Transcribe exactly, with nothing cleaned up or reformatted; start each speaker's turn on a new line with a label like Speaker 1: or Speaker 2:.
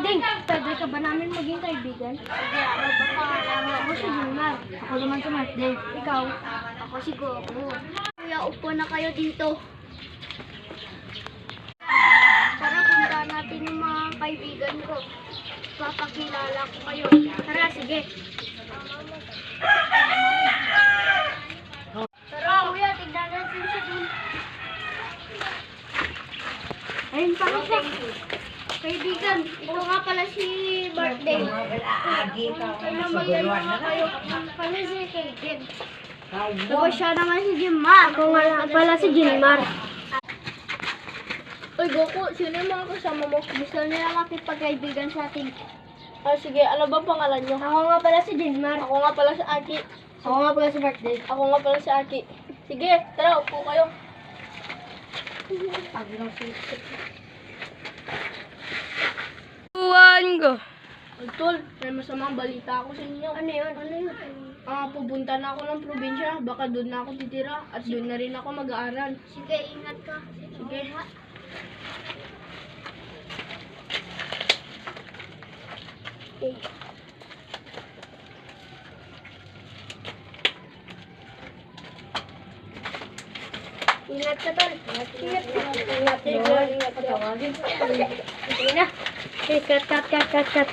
Speaker 1: Ding, pwede ka ba namin maging kaibigan?
Speaker 2: Sige, ano ba pangalan mo?
Speaker 1: Ako si Jumar. Ako naman si Martin. Ikaw?
Speaker 2: Ako si Goku. Kuya, upo na kayo dito. Tara, punta natin yung mga kaibigan ko. Papakilala ko kayo.
Speaker 1: Tara, sige.
Speaker 2: Tara, kuya, tignan natin siya dun.
Speaker 1: Ayun pala siya.
Speaker 2: Kaibigan, ito nga pala si Birthday. Kailan magdala nga kayo? Kami si Kaden. Tapos siya naman si Jimar.
Speaker 1: Ako nga lang pala si Jimar.
Speaker 2: Uy, Goku, sino yung mga kasama mo? Gusto nila makipagkaibigan sa atin.
Speaker 1: Ah, sige, ano ba pangalan niyo? Ako nga pala si Jimar.
Speaker 2: Ako nga pala si Aki.
Speaker 1: Ako nga pala si Birthday.
Speaker 2: Ako nga pala si Aki. Sige, tara, upo kayo.
Speaker 1: Tuwan ko.
Speaker 2: Tol, may masamang balita ako sa inyo.
Speaker 1: Ano yun? Ano yun?
Speaker 2: Ah, pupunta na ako ng probinsya. Baka doon na ako titira. At doon na rin ako mag-aaral. Sige, ingat ka. Sige. Okay.
Speaker 1: Ingat ka, tol. Ingat, ingat. Ingat, ingat. Ingat, ingat. Ingat, ingat. Ingat, cut, cut, cut, cut, cut.